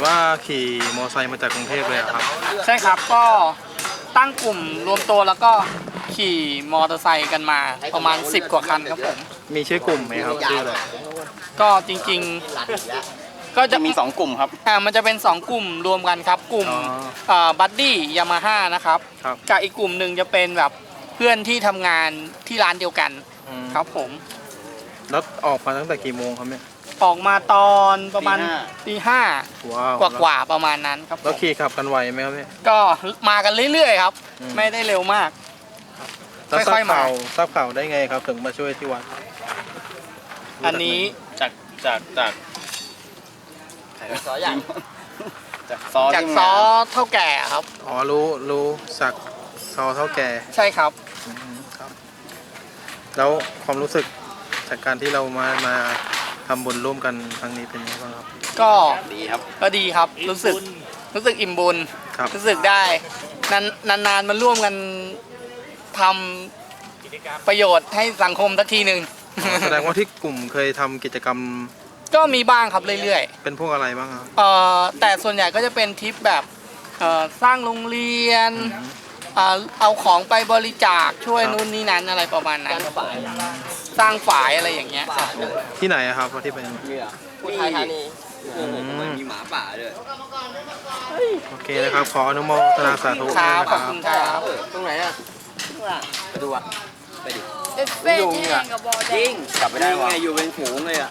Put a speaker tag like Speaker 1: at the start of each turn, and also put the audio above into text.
Speaker 1: ว่าขี่มอเตอร์ไซค์มาจากกรุงเทพเลยเหรอครับ
Speaker 2: ใช่ครับก็ตั้งกลุ่มรวมตัวแล้วก็ขี่มอเตอร์ไซค์กันมาประมาณ10 กว่าคันครับผม
Speaker 1: มีชื่อกลุ่มไหมครับชื่ออะไร
Speaker 2: ก็จริงๆก็จะ
Speaker 3: มี2กลุ่มครับ
Speaker 2: มันจะเป็น2กลุ่มรวมกันครับกลุ่มบัดดี้ยามาฮ่านะครับ
Speaker 1: ครับ
Speaker 2: กับอีกกลุ่มหนึ่งจะเป็นแบบเพื่อนที่ทำงานที่ร้านเดียวกัน
Speaker 1: อืม
Speaker 2: ครับผม
Speaker 1: แล้วออกมาตั้งแต่กี่โมงครับเนี่ย
Speaker 2: ออกมาตอนประมาณตีห้า
Speaker 1: ว้าว
Speaker 2: กว่าประมาณนั้นครับผ
Speaker 1: แล้ว
Speaker 2: ม
Speaker 1: ขี่ขับกันไหวไหมครับเนี่ย
Speaker 2: ก็มากันเรื่อยๆครับ
Speaker 1: อืม
Speaker 2: ไม่ได้เร็วมาก
Speaker 1: แล้ว
Speaker 2: ค่อยๆมา
Speaker 1: ทราบข่าวได้ไงครับถึงมาช่วยที่วัด
Speaker 2: อันนี้
Speaker 3: จากซออย่างจากซอ
Speaker 2: จาก
Speaker 3: ที่
Speaker 2: ซ
Speaker 3: มา
Speaker 2: อเท่าแก่ครับ
Speaker 1: อ๋อรู้สักซอเท่าแก่
Speaker 2: ใช่ครับ
Speaker 1: อืมครับ แล้วความรู้สึกจากการที่เรามาทำบุญร่วมกันครั้งนี้เป็นยังไงบ้างครับ
Speaker 2: ก็
Speaker 3: ดีครับ
Speaker 2: ก็ดีครับรู้สึกอิ่มบุญ
Speaker 1: ครับ
Speaker 2: รู้สึกได้นานๆมาร่วมกันทำประโยชน์ให้สังคมสักทีหนึ่ง
Speaker 1: แสดงว่าที่กลุ่มเคยทำกิจกรรม
Speaker 2: ก็มีบ้างครับเรื่อย
Speaker 1: เป็นพวกอะไรบ้างครับ
Speaker 2: ๆแต่ส่วนใหญ่ก็จะเป็นทริปแบบสร้างโรงเรียนเอาของไปบริจาคช่วย
Speaker 1: ครับ
Speaker 2: นู่นนี่นั้นอะไรประมาณนั้นสร้างฝายอะไรอย่างเงี้ย
Speaker 1: ที่ไหนอะครับที่เป็น
Speaker 3: อุทัยธานี
Speaker 1: อืม
Speaker 3: มีหมาป่าด้วย
Speaker 1: โอเคนะครับ ขออนุโมทนาสาธุ
Speaker 2: ค
Speaker 1: ด้วย
Speaker 2: รับ
Speaker 1: นะ
Speaker 2: ข
Speaker 1: ค
Speaker 2: อบ
Speaker 1: รับ
Speaker 2: คุณครับ
Speaker 3: ตรงไหนอ่ะไปดูอ่ะ ไปดิ
Speaker 4: เป็นแห้งกับบอแดง
Speaker 3: กลับไปได้วะอยู่เป็นฝูงเลยอ่ะ